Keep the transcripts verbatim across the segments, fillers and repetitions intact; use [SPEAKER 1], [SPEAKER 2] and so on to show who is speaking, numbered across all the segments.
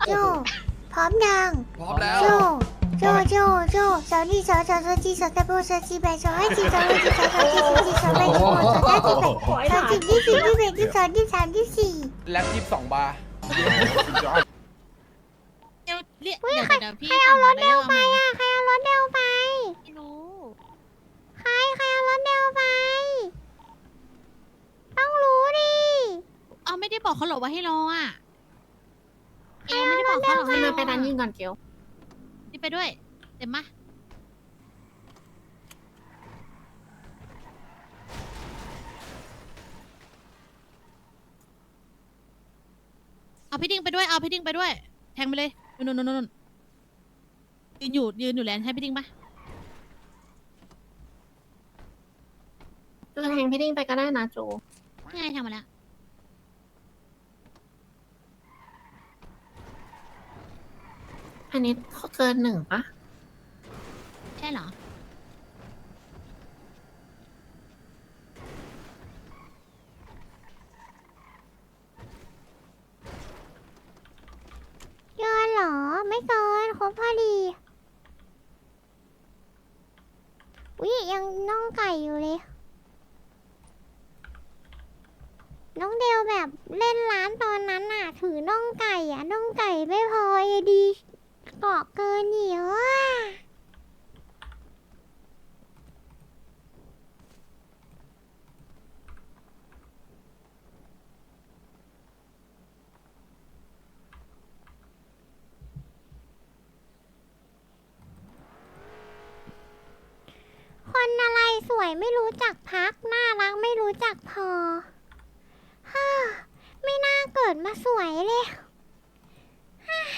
[SPEAKER 1] โจพร้อมยัง
[SPEAKER 2] พร้อมแล้ว
[SPEAKER 1] โจโจโจโจสาวนี่สาวสาวสาวจีสาวตะโบสาวจีแบสาวให้จีสาวให้จีสาวสาวจีสาวจีสาวแบสาวสาวจีแบสาวจีที่สี่ที่แบที่สองที่สามที่สี่
[SPEAKER 2] แล็บยี่สิบสองบาร์
[SPEAKER 3] เดี๋ยวเรียก
[SPEAKER 1] เฮ้ย
[SPEAKER 3] เดี๋ยว
[SPEAKER 1] ใคร
[SPEAKER 3] เดี๋ยวพี่
[SPEAKER 1] ใครเอารถเดว
[SPEAKER 3] สั่ง
[SPEAKER 1] ไป
[SPEAKER 3] มาแล้ว
[SPEAKER 1] อ่ะใครเอารถเดวไป
[SPEAKER 3] ไม่รู้
[SPEAKER 1] ใครใครเอารถเดวไป ต้องรู้ดิ
[SPEAKER 3] เอาไม่ได้บอกเขาหรอกว่าให้รออ่ะเกลไม่ได้บอกเขาหรอกให้รอ
[SPEAKER 4] ไปร้านยิงก่อนเกล
[SPEAKER 3] นี่ไปด้วยเต็มมะเอาพี่ดิ้งไปด้วยเอาพี่ดิ้งไปด้วยแทงไปเลยนู่นนู่นนู่นยืนอยู่ยืนอยู่แลนด์ให้พี่ดิ้งปะ
[SPEAKER 4] จูแทงพี่ดิ้งไปก็ได้นะจู
[SPEAKER 3] นี่ไงทำมาแล้ว
[SPEAKER 4] อันนี้เกินหนึ่งปะ
[SPEAKER 3] ใช่เหรอ
[SPEAKER 1] เกินเหรอ ไม่เกินครบพอดีวิยังน่องไก่อยู่เลย น้องเดวแบบเล่นร้านตอนนั้นน่ะ ถือน่องไก่อะน่องไก่ไม่พอยังดีเกาะเกินอีกอ่ะคนอะไรสวยไม่รู้จักพัก น่ารักไม่รู้จักพอฮ่าไม่น่าเกิดมาสวยเลยฮ่า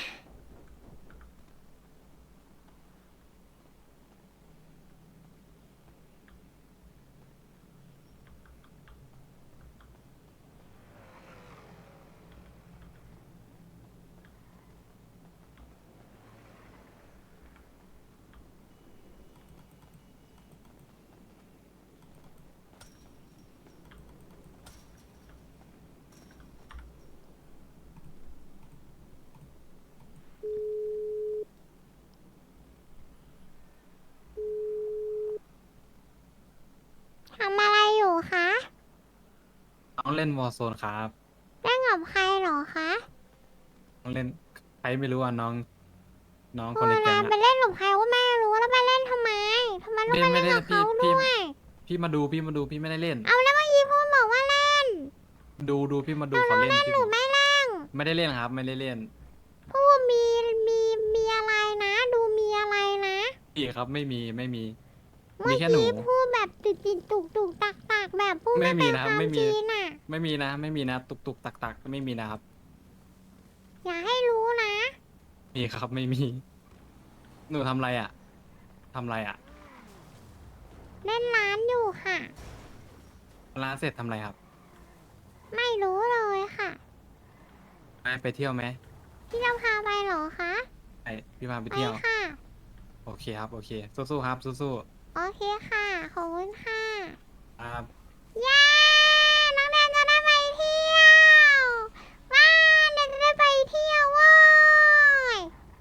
[SPEAKER 1] ทำอะไรอยู่คะ
[SPEAKER 5] น้องเล่นวอ r z โซนครับ
[SPEAKER 1] เล่นกับใครเหรอคะ
[SPEAKER 5] น้องเล่นใครไม่รู้อ่ะน้อง น้อง
[SPEAKER 1] โบ
[SPEAKER 5] คนในแก๊
[SPEAKER 1] ราง ณ
[SPEAKER 5] อะ
[SPEAKER 1] ไปเล่นกับใครก็ไม่รู้แล้วมาเล่นทำไมทำไมต้อง
[SPEAKER 5] ไม่
[SPEAKER 1] มา
[SPEAKER 5] ไม่
[SPEAKER 1] เล่น
[SPEAKER 5] ได้
[SPEAKER 1] กับ
[SPEAKER 5] พี่
[SPEAKER 1] เขา
[SPEAKER 5] พี่
[SPEAKER 1] ด้วย
[SPEAKER 5] พี่มาดูพี่มาดูพี่ไม่ได้เล่น
[SPEAKER 1] เอาแล้วเมื่อกี้พูดบอกว่าเล่น
[SPEAKER 5] ดูดูพี่มาดูเขาเล่นพี่
[SPEAKER 1] หรือไม่เล่น
[SPEAKER 5] ไม่ได้เล่นครับ ไม่ได้เล่น
[SPEAKER 1] พูดมีมีมีอะไรนะ ดูมีอะไรนะ
[SPEAKER 5] พี่ครับไม่มีไม่มี
[SPEAKER 1] เมื่
[SPEAKER 5] มี
[SPEAKER 1] อ
[SPEAKER 5] แค่หนู
[SPEAKER 1] กี้พูดแบบติดติดตุกตุกตักตักแบบพูด
[SPEAKER 5] ไม่
[SPEAKER 1] ไม่
[SPEAKER 5] มี
[SPEAKER 1] เป็น
[SPEAKER 5] นะ
[SPEAKER 1] ความ
[SPEAKER 5] ไม่มี
[SPEAKER 1] จริงน่ะ
[SPEAKER 5] ไม่มีนะ ไม่มีนะ ตุกตุกตักตักไม่มีนะครับ
[SPEAKER 1] อย่าให้รู้นะ
[SPEAKER 5] มีครับไม่มี หนูทำอะไรอ่ะทำอะไรอ่ะ
[SPEAKER 1] เล่นร้านอยู่ค่ะ
[SPEAKER 5] ร้านเสร็จทำอะไรครับ
[SPEAKER 1] ไม่รู้เลยค่ะ
[SPEAKER 5] ไปไปเที่ยวไหม
[SPEAKER 1] พี่จะพาไปเหรอคะ
[SPEAKER 5] ไปพี่พาไป
[SPEAKER 1] ไป
[SPEAKER 5] เที่ยว
[SPEAKER 1] ค่ะ
[SPEAKER 5] โอเคครับโอเคสู้ๆครับสู้
[SPEAKER 1] โอเคค่ะขอบคุณค่ะ
[SPEAKER 5] ๆครับ
[SPEAKER 1] เย้น้องแดนจะได้ไปเที่ยวว้าแดนจะได้ไปเที่ยวเว้ย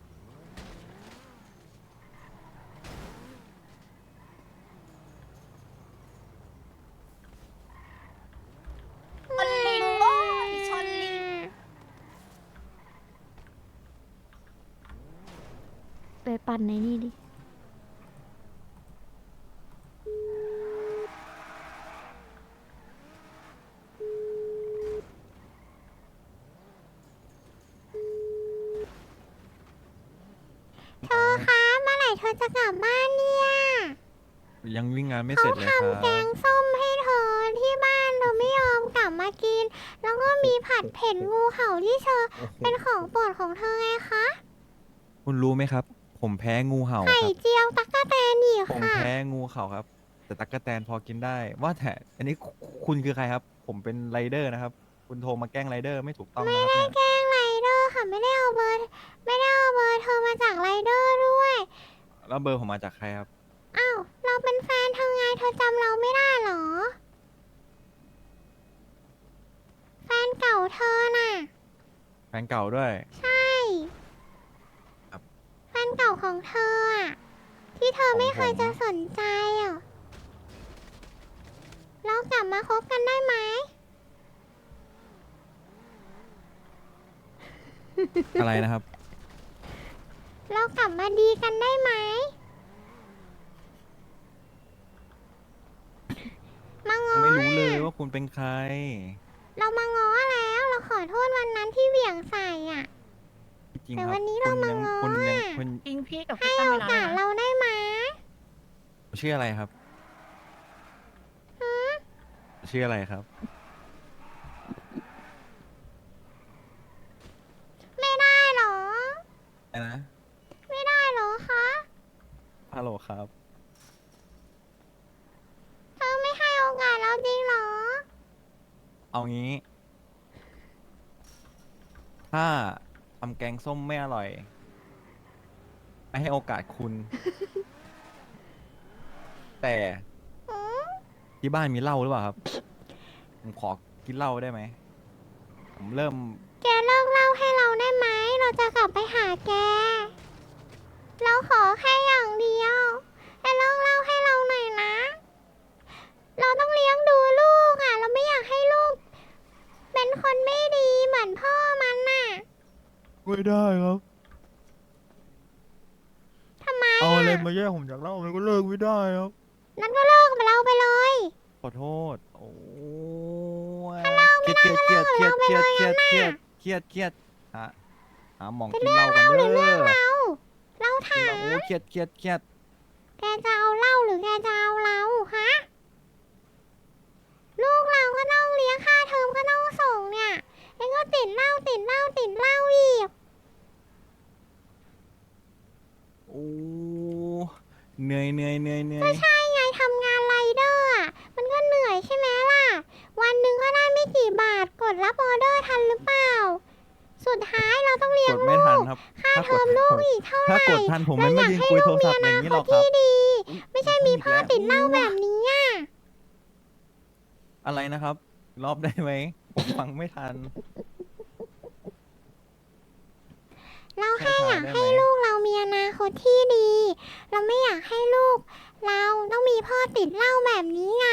[SPEAKER 1] ชนลิงโว้ยชนลิงไปปั่นในนี่ดิ เธอคะเมื่อไหร่เธอจะกลับบ้านเนี่ย
[SPEAKER 6] ยังวิ่งงานไม่
[SPEAKER 1] เขา
[SPEAKER 6] เสร็จเลยครั
[SPEAKER 1] ทำแก
[SPEAKER 6] บ
[SPEAKER 1] งส้มให้เธอที่บ้านเธอไม่ยอมกลับมากิน แล้วก็มีผัดเผ็ดงูเห่าที่เธอ
[SPEAKER 6] โอ้โห
[SPEAKER 1] เป็นของโปรดของเธอไงคะ
[SPEAKER 6] คุณรู้ไหมครับ ผมแพ้งูเห่าค
[SPEAKER 1] ไข่
[SPEAKER 6] รับ
[SPEAKER 1] เจียวตั๊กแตนอีก
[SPEAKER 6] ผม
[SPEAKER 1] ค่ะ
[SPEAKER 6] แพ้งูเห่าครับ แต่ตั๊กแตนพอกินได้ ว่าแต่อันนี้คุคุณคือใครครับ ผมเป็นไรเดอร์นะครับ คุณโทรมาแกล้งไรเดอร์ไม่ถูกต้องนะครับเนี่ย
[SPEAKER 1] แกล้งไรเดอร์ค่ะไม่ได้เอาเบอร์ไม่ได้เอาเบอร์เธอมาจากไรเดอร์ด้วย
[SPEAKER 6] แล้วเบอร์ผมมาจากใครครับ
[SPEAKER 1] อ้าวเราเป็นแฟนเธอไงเธอจำเราไม่ได้เหรอ แฟนเก่าเธอน่ะ
[SPEAKER 6] แฟนเก่าด้วย
[SPEAKER 1] ใช่เก่าของเธออะที่เธอไม่เคยจะสนใจอ่ะเรากลับมาคบกันได้ไหม
[SPEAKER 6] อะไรนะครับ
[SPEAKER 1] เรากลับมาดีกันได้ไหมมาง้อ
[SPEAKER 6] ไม่รู้เลย
[SPEAKER 1] อะ
[SPEAKER 6] ว่าคุณเป็นใคร
[SPEAKER 1] เรามาง้อแล้ว เราขอโทษวันนั้นที่เหวี่ยงใส่อ่ะ
[SPEAKER 6] จริง
[SPEAKER 1] แต่
[SPEAKER 6] ครั
[SPEAKER 1] วั
[SPEAKER 6] บ
[SPEAKER 1] นนี้
[SPEAKER 6] คุ
[SPEAKER 1] เรา
[SPEAKER 6] ณ
[SPEAKER 1] มา
[SPEAKER 6] ยัง
[SPEAKER 1] ง้อ
[SPEAKER 6] คุณยัง
[SPEAKER 1] อะ
[SPEAKER 6] คุณ
[SPEAKER 4] จริงพี่กับ
[SPEAKER 1] ให้
[SPEAKER 4] พี่ตั้ง
[SPEAKER 1] โอ
[SPEAKER 4] เวลาก
[SPEAKER 1] าส
[SPEAKER 4] เลยนะ
[SPEAKER 1] เราได้ไหม
[SPEAKER 6] ชื่ออะไรครับ
[SPEAKER 1] ฮะ
[SPEAKER 6] ชื่ออะไรครับ
[SPEAKER 1] ไม่ได้เหรอ
[SPEAKER 6] อะไรนะ
[SPEAKER 1] ไม่ได้เหรอคะ
[SPEAKER 6] ฮัลโหลครับ
[SPEAKER 1] เธอไม่ให้โอกาสเราจริงเหรอ
[SPEAKER 6] เอางี้ ถ้าทำแกงส้มไม่อร่อย ไม่ให้โอกาสคุณ แต่
[SPEAKER 1] อืม
[SPEAKER 6] ที่บ้านมีเหล้าหรือเปล่าครับ ผมขอกินเหล้าได้ไหม ผมเริ่ม
[SPEAKER 1] แกเลิกเล่าให้เราได้ไหม เราจะกลับไปหาแก เราขอแค่อย่างเดียวแกเลิกเล่าให้เราหน่อยนะ เราต้องเลี้ยงดูลูกอ่ะ เราไม่อยากให้ลูก เป็นคนไม่ดีเหมือนพ่อมันน่ะ
[SPEAKER 6] ไม่ได้ครับ
[SPEAKER 1] ทำไม
[SPEAKER 6] เอาอะไร
[SPEAKER 1] อ่ะ
[SPEAKER 6] มาแย่งผมจากเหล้ามันก็เลิกไม่ได้ครับ
[SPEAKER 1] นั้นก็เลิกกับเราไปเลย
[SPEAKER 6] ขอโทษ โอ้ยเครียดเครียดเครียดเครียดเครียดเครียดเครียดเครียดเครียดหาหาหมอง
[SPEAKER 1] จะ
[SPEAKER 6] กิน
[SPEAKER 1] เลื
[SPEAKER 6] เห
[SPEAKER 1] อก
[SPEAKER 6] ล้ากัน
[SPEAKER 1] เราห
[SPEAKER 6] เด้
[SPEAKER 1] รือเลือก
[SPEAKER 6] อ
[SPEAKER 1] เรา เราถา
[SPEAKER 6] กินเหล้าม โอ้เครียดเครียดเครียด
[SPEAKER 1] แกจะเอาเหล้าหรือแกจะเอาเราฮะ ลูกเราก็ต้องเลี้ยงค่าเทอมก็ต้องส่งเนี่ยเองก็ติดเหล้าติดเหล้าติดเหล้าอีก
[SPEAKER 6] โอ้เหนื่อยเหนื่อยเหนื่อยเหนื่อ
[SPEAKER 1] ก็
[SPEAKER 6] ย
[SPEAKER 1] ใช่ไงทำงานไรเดอร์อ่ะ มันก็เหนื่อยใช่ไหมล่ะ วันหนึ่งก็ได้ไม่กี่บาท กดรับออเดอร์ทันหรือเปล่า สุดท้ายเราต้องเลี้ย
[SPEAKER 6] ก
[SPEAKER 1] ง
[SPEAKER 6] ดไม่
[SPEAKER 1] ลู
[SPEAKER 6] ทัน
[SPEAKER 1] ก
[SPEAKER 6] ครับ
[SPEAKER 1] ค่า
[SPEAKER 6] ถ้า
[SPEAKER 1] เท
[SPEAKER 6] ก
[SPEAKER 1] อ
[SPEAKER 6] ด
[SPEAKER 1] มลูกอีกเท่าไหร่
[SPEAKER 6] ถ้ากดทันผมไม่
[SPEAKER 1] เรา
[SPEAKER 6] มา
[SPEAKER 1] อยาก
[SPEAKER 6] ยืน
[SPEAKER 1] ให้
[SPEAKER 6] คุย
[SPEAKER 1] ลู
[SPEAKER 6] โท
[SPEAKER 1] ก
[SPEAKER 6] ร
[SPEAKER 1] มี
[SPEAKER 6] ศัพ
[SPEAKER 1] อ
[SPEAKER 6] ท์อย่า
[SPEAKER 1] นา
[SPEAKER 6] งนี้
[SPEAKER 1] ค
[SPEAKER 6] หร
[SPEAKER 1] ต
[SPEAKER 6] อกครั
[SPEAKER 1] ที่
[SPEAKER 6] บ
[SPEAKER 1] ดี
[SPEAKER 6] อุ๊ย
[SPEAKER 1] ไม่ใช่มีพ่อติดเหล้าแบบนี้อ่ะ
[SPEAKER 6] อะไรนะครับ รอบได้ไหมผมฟังไม่ทัน
[SPEAKER 1] เราแค่
[SPEAKER 6] ช้าๆ
[SPEAKER 1] อยาก
[SPEAKER 6] ได้
[SPEAKER 1] ให้
[SPEAKER 6] ไหม
[SPEAKER 1] ลูกเรามีอนาคตที่ดี เราไม่อยากให้ลูก เราต้องมีพ่อติดเหล้าแบบนี้ไง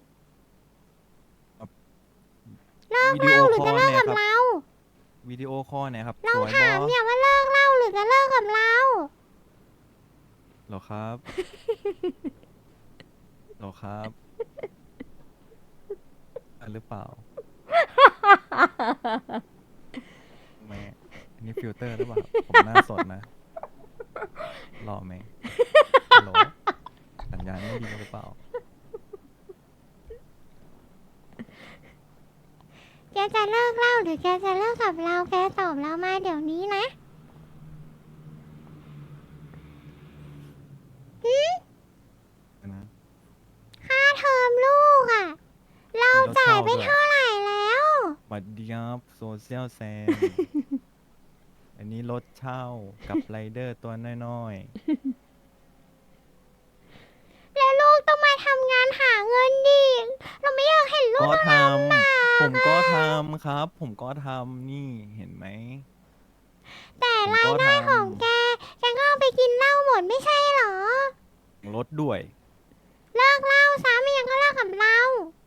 [SPEAKER 1] เลิก
[SPEAKER 6] วิ
[SPEAKER 1] เห
[SPEAKER 6] ดีโอ
[SPEAKER 1] ล้าหรือ
[SPEAKER 6] คอ
[SPEAKER 1] จะ
[SPEAKER 6] ล
[SPEAKER 1] เลิก
[SPEAKER 6] เนี่ย
[SPEAKER 1] กับ
[SPEAKER 6] ครับ
[SPEAKER 1] เรา
[SPEAKER 6] วิดีโอคอลเนี่ยครับ
[SPEAKER 1] เรา
[SPEAKER 6] สวยบ
[SPEAKER 1] ถา
[SPEAKER 6] อ
[SPEAKER 1] มเนี่ยว่าเลิกเหล้าหรือจะเลิกกับเรา
[SPEAKER 6] เหรอครับ เหรอครับอันหรือเปล่าแม่อันนี้ฟิลเตอร์หรือเปล่าครับผมหน้าสดนะหล่อไหมฮัลโหลสัญญาณไม่ดีหรือเปล่า
[SPEAKER 1] แกจะเลิกเหล้าหรือแกจะเลิกกับเรา แกตอบเรามาเดี๋ยวนี้นะหึ
[SPEAKER 6] นะ
[SPEAKER 1] ค่าเทอมลูกอ่ะ เราจ่ายไปเท่าไหร่แล้ว
[SPEAKER 6] บัตรดีครับโซเชียลแซม อันนี้รถเช่ากับไรเดอร์ตัวน้อย
[SPEAKER 1] แล้วลูกต้องมาทำงานหาเงินดิเราไม่อยากเห็น
[SPEAKER 6] ๆ
[SPEAKER 1] ลูก
[SPEAKER 6] ก็
[SPEAKER 1] ต้อง
[SPEAKER 6] ท
[SPEAKER 1] ลำบาก
[SPEAKER 6] ำผมก็
[SPEAKER 1] อะ
[SPEAKER 6] ทำครับ ผมก็ทำนี่เห็นไหม
[SPEAKER 1] แต่
[SPEAKER 6] ผม
[SPEAKER 1] ราย
[SPEAKER 6] ก็
[SPEAKER 1] ได้
[SPEAKER 6] ท
[SPEAKER 1] ของแก แกก็เอาไปกินเหล้าหมดไม่ใช่เหรอ
[SPEAKER 6] ำรถด้วย
[SPEAKER 1] เลิกเหล้าซะไม่ยังก็เลิกกับเรา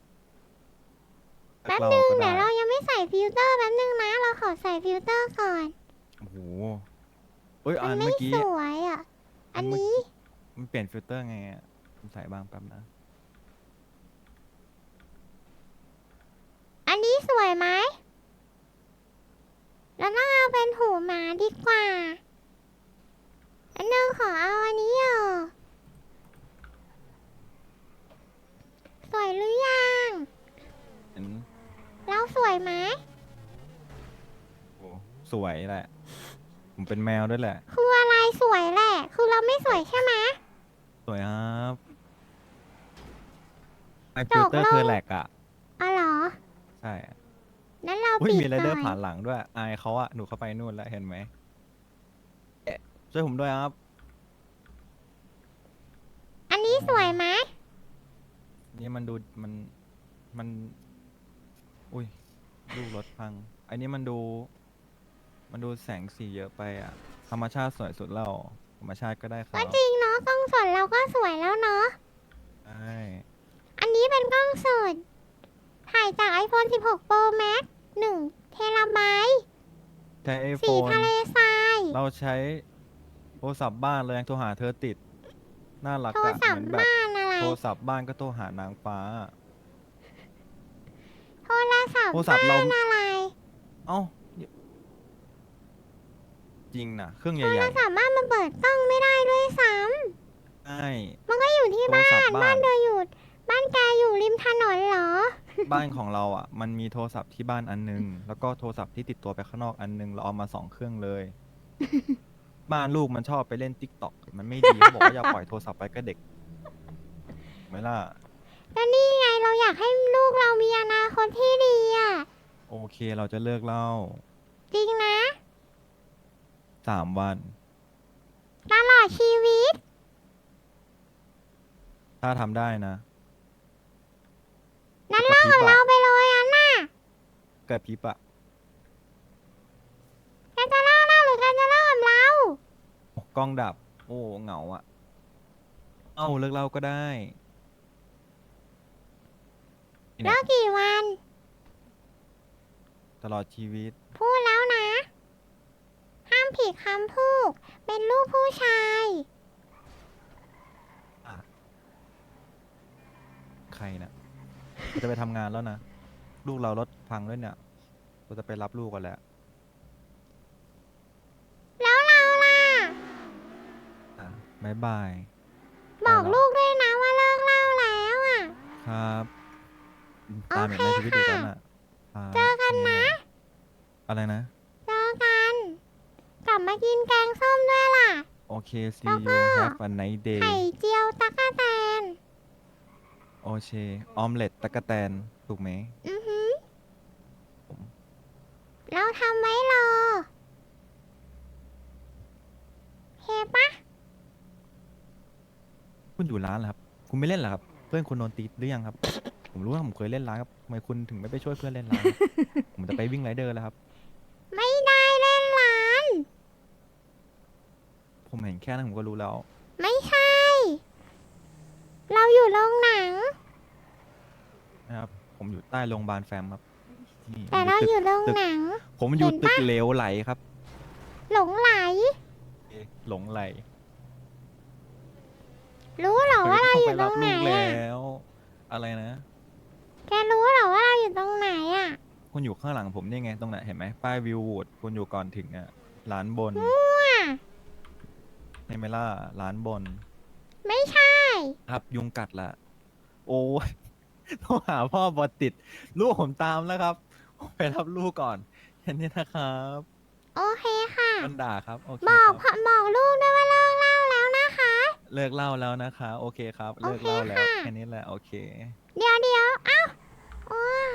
[SPEAKER 1] แป๊บ
[SPEAKER 6] เรา
[SPEAKER 1] นึง
[SPEAKER 6] ก็
[SPEAKER 1] เดี๋
[SPEAKER 6] ได้
[SPEAKER 1] ยวเรายังไม่ใส่ฟิลเตอร์แป๊บนึงนะ เราขอใส่ฟิลเตอร์ก่อน
[SPEAKER 6] โอ้โหเอ้ย
[SPEAKER 1] มั
[SPEAKER 6] อั
[SPEAKER 1] น
[SPEAKER 6] น
[SPEAKER 1] ไม่
[SPEAKER 6] เมื่อกี้
[SPEAKER 1] สวยอ่ะ
[SPEAKER 6] อั
[SPEAKER 1] อัน
[SPEAKER 6] นเมื่อ
[SPEAKER 1] นี้
[SPEAKER 6] มันเปลี่ยนฟิลเตอร์ไงอ่ะผมใส่บ้างแป๊บนะ
[SPEAKER 1] อันนี้สวยไหมเราต้องเอาเป็นหูหมาดีกว่า อันนึงขอเอาอันนี้อ่ะสวยหรือยัง
[SPEAKER 6] เห็น
[SPEAKER 1] เราสวยไหม
[SPEAKER 6] โอ้สวยแหละ ผมเป็นแมวด้วยแหละ
[SPEAKER 1] คืออะไรสวยแหละ คือเราไม่สวยใช่ไหม
[SPEAKER 6] สวยครับไอ
[SPEAKER 1] จ
[SPEAKER 6] ฟิล
[SPEAKER 1] ก
[SPEAKER 6] เตอร์
[SPEAKER 1] ลง
[SPEAKER 6] คือแหลกอ่ะ
[SPEAKER 1] อ๋อเหรอ
[SPEAKER 6] ใช่อะ
[SPEAKER 1] นั้นเรา
[SPEAKER 6] อุ้ย
[SPEAKER 1] ปิด
[SPEAKER 6] มีไร
[SPEAKER 1] ก่
[SPEAKER 6] เดอ
[SPEAKER 1] อ
[SPEAKER 6] ร์
[SPEAKER 1] น
[SPEAKER 6] ผ่านหลังด้วย อายเขาอะหนูเข้าไปนู่นแล้วเห็นไหมเอ๊ะช่วยผมด้วยครับ
[SPEAKER 1] อันนี้สวยไหม
[SPEAKER 6] นี่มันดูมันมัน อุ้ยลูกรถพัง อันนี้มันดู มันดูแสงสีเยอะไปอ่ะ ธรรมชาติสวยสุดแล้วธรรมชาติก็ได้ครั
[SPEAKER 1] ก็
[SPEAKER 6] บ
[SPEAKER 1] จริงเนาะกล้องสดเราก็สวยแล้วเนาะ
[SPEAKER 6] ใช่
[SPEAKER 1] อันนี้เป็นกล้องสด ถ่ายจาก iPhone สิบหก Pro Max หนึ่งเทราไบต์
[SPEAKER 6] ใช้ไอโฟ
[SPEAKER 1] สี
[SPEAKER 6] น
[SPEAKER 1] ทะเลทราย
[SPEAKER 6] เราใช้โทรศัพท์บ้านเรายังโทรหาเธอติด น่ารัก
[SPEAKER 1] โทร
[SPEAKER 6] อะ
[SPEAKER 1] ศัพ
[SPEAKER 6] เหมื
[SPEAKER 1] ท์
[SPEAKER 6] อนแบบ
[SPEAKER 1] บ้านอะไร
[SPEAKER 6] โทรศัพท์บ้านก็โทรหานางฟ้า
[SPEAKER 1] โทรศัพท์
[SPEAKER 6] โทรศัพท์เรา
[SPEAKER 1] บ้านอะไร
[SPEAKER 6] เอ้า จริงนะเครื่องให
[SPEAKER 1] โทร
[SPEAKER 6] ญ่
[SPEAKER 1] ศัพท์บ้านมันเปิดกล้องไม่ได้ด้วยซ้
[SPEAKER 6] ๆใช่
[SPEAKER 1] ำมันก็อยู่ที่
[SPEAKER 6] โทร
[SPEAKER 1] บ้า
[SPEAKER 6] ศัพ
[SPEAKER 1] น
[SPEAKER 6] ท์บ้า
[SPEAKER 1] บ้าน นเธออยู่ บ้านแกอยู่ริมถนนเหรอ
[SPEAKER 6] บ้านของเราอ่ะ มันมีโทรศัพท์ที่บ้านอันนึง แล้วก็โทรศัพท์ที่ติดตัวไปข้างนอกอันนึง เราเอามาสองเครื่องเลย บ้านลูกมันชอบไปเล่นติ๊กต็อกมันไม่ดีเขาบอกว่าอย่าปล่อยโทรศัพท์ไปกับเด็กถูกไหมล่ะ
[SPEAKER 1] ก็นี่ไงเราอยากให้ลูกเรามีอนาคตที่ดีอ่ะ
[SPEAKER 6] โอเคเราจะเลิกเล่า
[SPEAKER 1] จริงนะ
[SPEAKER 6] สามวัน
[SPEAKER 1] ตลอดชีวิต
[SPEAKER 6] ถ้าทำได้นะ
[SPEAKER 1] นั้นเลิกกับเราไปเลยอันน่ะ
[SPEAKER 6] เกิดพริบอะ
[SPEAKER 1] แกจะเลิกเราหรือแกจะเลิกกับเรา
[SPEAKER 6] โอ้กล้องดับ โอ้เหงาอะเอ้าเลิกเล่าก็ได้นี่
[SPEAKER 1] เลิ
[SPEAKER 6] เนี่ย
[SPEAKER 1] กกี่วัน
[SPEAKER 6] ตลอดชีวิต
[SPEAKER 1] พูดแล้วนะ ห้ามผิดคำพูด เป็นลูกผู้ชาย
[SPEAKER 6] ใครนะเราจะไปทำงานแล้วนะ ลูกเรารถพังด้วยเนี่ยเราจะไปรับลูกกันแล้ว
[SPEAKER 1] แล้วเราล่ะ
[SPEAKER 6] อ่ะบายบาย
[SPEAKER 1] บอก
[SPEAKER 6] ไปแล้ว
[SPEAKER 1] ลูกด้วยนะว่าเลิกเล่าแล้วอ่ะ
[SPEAKER 6] ครับตามอย่างในชีวิตอีกแล้วน่ะครับ
[SPEAKER 1] เจอกันนะ
[SPEAKER 6] อะไรนะ
[SPEAKER 1] เจอกัน กลับมากินแกงส้มด้วยล่ะ
[SPEAKER 6] โอเค see
[SPEAKER 1] แล้วก็
[SPEAKER 6] you have a nice day
[SPEAKER 1] ไข่เจียวตะกะแตน
[SPEAKER 6] โอเค ออมเล็ตตะกะแตน ถูกไหม
[SPEAKER 1] อือหือ
[SPEAKER 6] ผม
[SPEAKER 1] เราทำไว้รอเฮปะ
[SPEAKER 6] คุณอยู่ร้านเหรอครับ คุณไม่เล่นเหรอครับ เพื่อนคุณโดนตีหรือยังครับ ผมรู้ว่าผมเคยเล่นร้านครับทำไมคุณถึงไม่ไปช่วยเพื่อนเล่นร้านครับ ผมจะไปวิ่งไรเดอร์แล้วครับ
[SPEAKER 1] ไม่ได้เล่นร้าน
[SPEAKER 6] ผมเห็นแค่นั้นผมก็รู้แล้ว
[SPEAKER 1] ไม่ใช่ เราอยู่โรงหนัง
[SPEAKER 6] นะครับ ผมอยู่ใต้โรงพยาบาลแฟมครับนี่
[SPEAKER 1] แต่เราอยู่โรง
[SPEAKER 6] ตึก
[SPEAKER 1] หนัง
[SPEAKER 6] ผมอยู่
[SPEAKER 1] เห็น
[SPEAKER 6] ตึก
[SPEAKER 1] ปะ
[SPEAKER 6] เหลวไหลครับ
[SPEAKER 1] หลงไหล
[SPEAKER 6] เอ๊ะหลงไหล
[SPEAKER 1] รู้เหรอว่าเราอยู่ต
[SPEAKER 6] ต้
[SPEAKER 1] ร
[SPEAKER 6] อง
[SPEAKER 1] ง
[SPEAKER 6] ไป
[SPEAKER 1] ไหน
[SPEAKER 6] รับลูก
[SPEAKER 1] อ่ะ
[SPEAKER 6] แล้ว อะไรนะ
[SPEAKER 1] แกรู้เหรอว่าเราอยู่ตรงไหนอ่ะ
[SPEAKER 6] คุณอยู่ข้างหลังผมนี่ไงตรงไหนเห็นไหมป้ายวิววูดคุณอยู่ก่อนถึงอ่ะร้านบน
[SPEAKER 1] มั่ว
[SPEAKER 6] ใช่ไหมล่ะร้านบน
[SPEAKER 1] ไม่ใช่
[SPEAKER 6] ครับยุงกัดละโอ้ย โทรหาพ่อบอติด ลูกผมตามแล้วครับ ไปรับลูกก่อนแค่นี้นะครับ
[SPEAKER 1] โอเคค่ะ
[SPEAKER 6] มันด่าครับ โอเค
[SPEAKER 1] บอก
[SPEAKER 6] ค
[SPEAKER 1] พ่
[SPEAKER 6] รับ
[SPEAKER 1] อบอกลูกด้วยว่าเลิกเล่าแล้วนะคะ
[SPEAKER 6] เลิกเล่าแล้วนะคะ โอเคครับ เลิก
[SPEAKER 1] โอเค
[SPEAKER 6] เล่าแล้ว
[SPEAKER 1] ค่ะ
[SPEAKER 6] แค่นี้แหละโอเค
[SPEAKER 1] เดี๋ยวเดี๋ยวเอ้าโอ้ย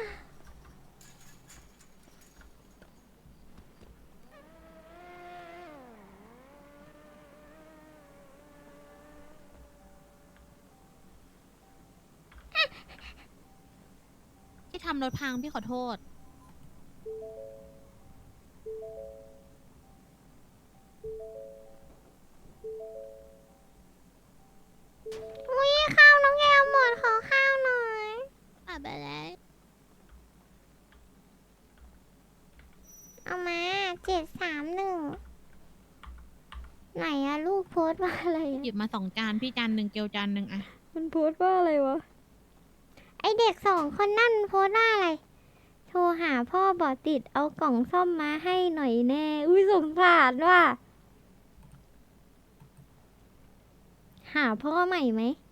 [SPEAKER 3] ที่ทำรถพังพี่ขอโทษ
[SPEAKER 1] อุ้ยข้าวน้องแกวหมดขอข้าวหน่อย
[SPEAKER 3] อ่ะไปแล้ว
[SPEAKER 1] เอามาเจ็ดสามหนึ่งไหนอะลูกโพสต์ว่าอะไร
[SPEAKER 3] หยิบมาสองจานพี่จานหนึ่งเกลจานหนึ่งอะ
[SPEAKER 1] มันโพสต์ว่าอะไรวะ ไอเด็กสองคนนั่นมันโพสต์ว่าอะไร โทรหาพ่อบอติดเอากล่องซ่อมมาให้หน่อยแน่ อุ้ยสงสารว่ะ หาพ่อใหม่ไหม